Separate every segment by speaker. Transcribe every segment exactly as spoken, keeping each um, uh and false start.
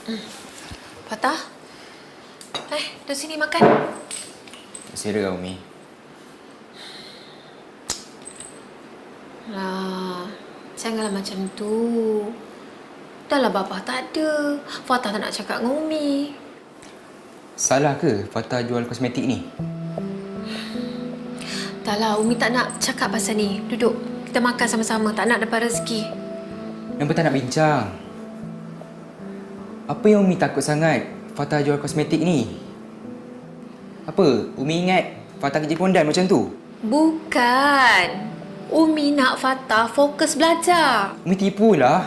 Speaker 1: Hmm. Fatah? Eh, duduk sini makan.
Speaker 2: Sila, Umi.
Speaker 1: Lah, janganlah macam tu. Dah lah bapa tak ada. Fatah tak nak cakap dengan Umi.
Speaker 2: Salah ke Fatah jual kosmetik ni?
Speaker 1: Dah lah, Umi tak nak cakap pasal ni. Duduk, kita makan sama-sama. Tak nak dapat rezeki.
Speaker 2: Kenapa tak nak bincang? Apa yang Umi takut sangat Fatah jual kosmetik ni? Apa? Umi ingat Fatah kerja kondan macam tu?
Speaker 1: Bukan. Umi nak Fatah fokus belajar.
Speaker 2: Umi tipulah.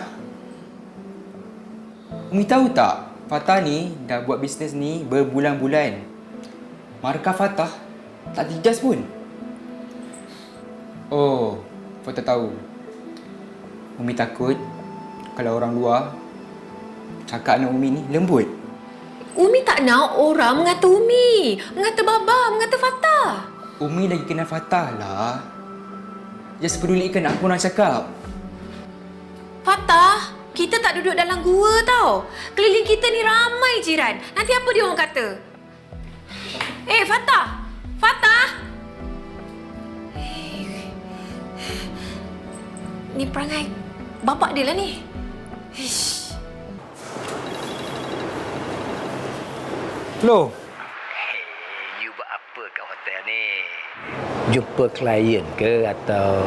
Speaker 2: Umi tahu tak? Fatah ni dah buat bisnes ni berbulan-bulan. Markah Fatah tak tijas pun. Oh, Fatah tahu. Umi takut kalau orang luar cakap anak Umi ni lembut.
Speaker 1: Umi tak nak orang mengata Umi. Mengata Baba, mengata Fatah.
Speaker 2: Umi lagi kenal Fatah lah. Just pedulikan apa orang cakap.
Speaker 1: Fatah, kita tak duduk dalam gua tau. Keliling kita ni ramai jiran. Nanti apa dia orang kata? Eh, Fatah! Fatah! Eh, ni perangai bapak dia lah ni. Ish.
Speaker 3: Hello.
Speaker 4: Hey, you buat apa kat hotel ni? Jumpa klien ke atau...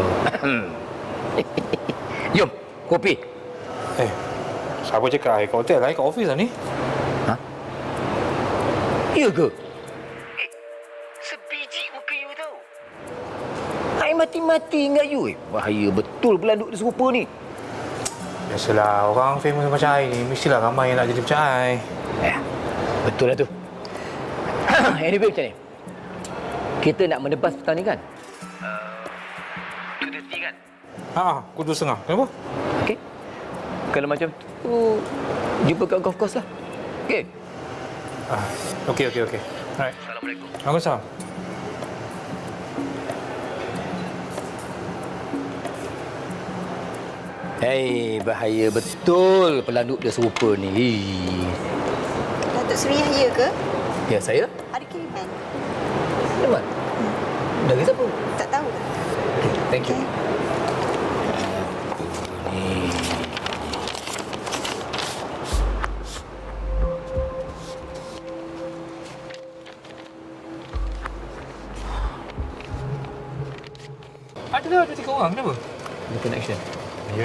Speaker 4: Jom, kopi.
Speaker 3: Eh, siapa cakap I kat hotel? I kat office lah ni.
Speaker 4: Ha? Ya ke? Eh, sebiji muka you tau. I mati-mati ingat you. Eh, bahaya betul pelanduk dia serupa ni.
Speaker 3: Biasalah, orang famous macam I ni, mestilah ramai yang nak jadi macam I.
Speaker 4: Eh, betul lah tu. Anyway, macam ni. Kita nak menebas petang ni kan? Uh, two thirty kan?
Speaker 3: Haa, pukul dua setengah. Kenapa?
Speaker 4: Okey. Kalau macam tu, jumpa kat golf course lah. Okey?
Speaker 3: Ah, okey, okey, okey. Alright.
Speaker 4: Assalamualaikum.
Speaker 3: Waalaikumsalam.
Speaker 4: Hei, bahaya betul pelanduk dia serupa ni.
Speaker 5: Datuk Seri Yahya ke?
Speaker 4: Ya, saya?
Speaker 5: Ada kiriman.
Speaker 4: Memang? Hmm. Dari siapa?
Speaker 5: Tak tahu.
Speaker 4: Okay, thank you.
Speaker 5: Okay.
Speaker 4: Ni.
Speaker 3: Adalah ada tiga orang. Kenapa?
Speaker 4: Ada connection.
Speaker 3: Ya.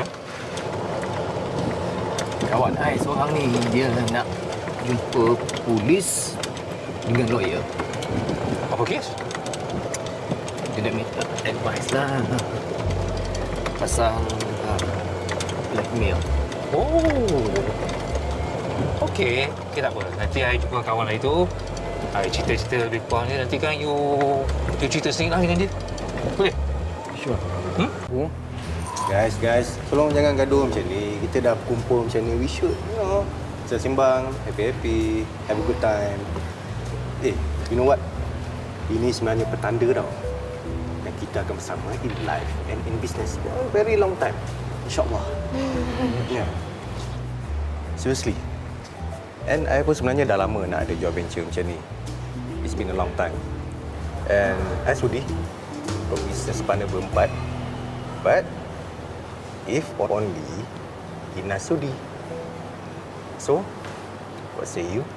Speaker 4: Kawan saya seorang ni, dia nak jumpa polis dengan lawyer.
Speaker 3: Apa kes?
Speaker 4: Dia nak minta advice lah pasal uh, blackmail.
Speaker 3: Oh. Okey. Okey, tak apa. Nanti I jumpa kawan I tu. I cerita-cerita lebih kurang ni. Nanti kan you, you cerita sendiri lah dengan dia. Boleh?
Speaker 4: Sure.
Speaker 3: Hmm?
Speaker 4: Oh.
Speaker 6: Guys, guys, tolong jangan gaduh macam ni. Kita dah kumpul macam ni. We should, you know, sembang, happy-happy, have a good time. Eh, you know what? Ini sebenarnya petanda tau. Dan kita akan bersama in life and in business for a very long time. InsyaAllah. Yeah. Seriously. And I pun sebenarnya dah lama nak ada joint venture macam ni. It's been a long time. And I sudi berbisnes partner berempat. But if only Ina sudi. So, what say you?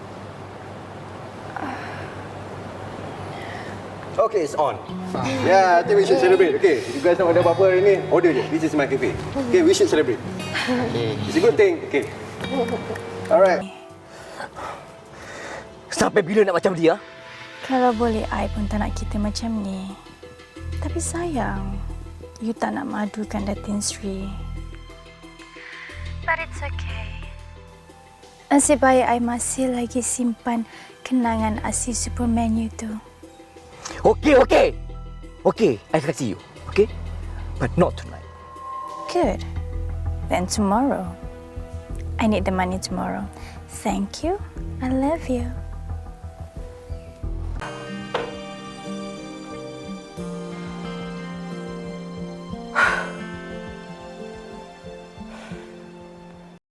Speaker 6: Okay, it's on. Yeah, I think we should celebrate. Okay, you guys nak order apa-apa hari ni? Order je. This is my cafe. Okay, we should celebrate. It's a good thing. Okay. Alright.
Speaker 4: Sampai bila nak macam dia?
Speaker 7: Kalau boleh, I pun tak nak kita macam ni. Tapi sayang, you tak nak madukan Datin Sri. But it's okay. Nasib baik I masih lagi simpan kenangan asli Superman you tu.
Speaker 4: Okey, okey. Okey, I kasih you. Okey? But not tonight.
Speaker 7: Good. Then tomorrow. I need the money tomorrow. Thank you. I love you.